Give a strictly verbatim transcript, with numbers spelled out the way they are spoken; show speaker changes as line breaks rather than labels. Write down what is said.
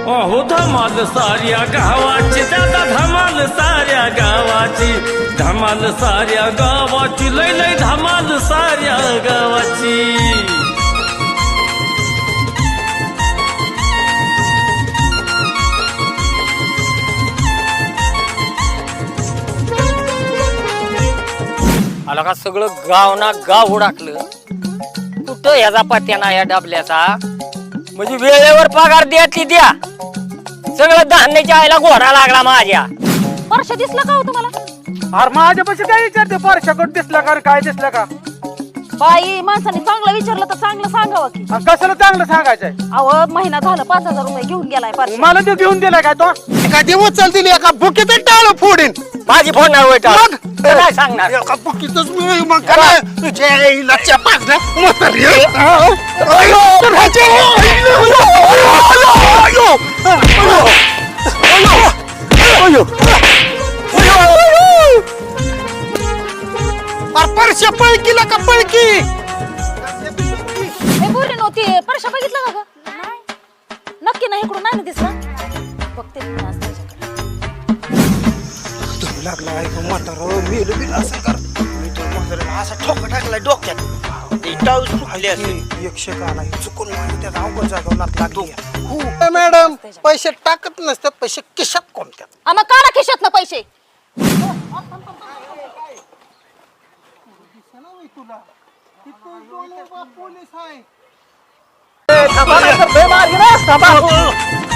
अहो धमाल साऱ्या गावाची दादा धमाल साऱ्या गावाची धमाल साऱ्या गावाची लय लय धमाल साऱ्या गावाची।
आला का सगळं गाव ना गाव उडाकलं कुठं ह्याचा पत्या ना या डबल्याचा म्हणजे वेळेवर पगार द्यातली द्या सगळं धान्याच्या आईला घोडा लागला माझ्या।
परश्या दिसला का हो तुम्हाला?
अरे माझ्यापाशी काय विचारते परशाकडे दिसला का काय दिसला का?
बाई माणसाने चांगलं विचारलं तर चांगलं सांगावं की।
आणि कशाला चांगलं सांगायचंय?
अहो महिना झाला पाच हजार रुपये घेऊन गेलाय परश्या।
मला ते घेऊन दिलाय काय तो?
एका दिवस चालतील एका बुकीत टाळं फोडीन
माझी फोन नाही काय सांगणार
एका बुकीतच मी मग काय तुझ्या आईला चपास ना म्हातारी परश्या पळकीला का पळकी
हे बोलले नव्हती परश्या बघितलं का ग? नक्की नाही इकडून नाही ना दिसला बघते मी आज त्याच्याकडे।
लागला ऐक म्हातारा मेल बिल असं कर मी तर म्हाताऱ्याला असा ठोका टाकलाय डोक्यात ते टाऊस फुटले असेल एक शेकाला चुकून मारली त्या अवघड जागेवर नाक लागली। मॅडम पैसे टाकत नसतात पैसे खिशात कोणत्यात
आम्हा काढा खिशात ना पैसे।
पोलीस आहे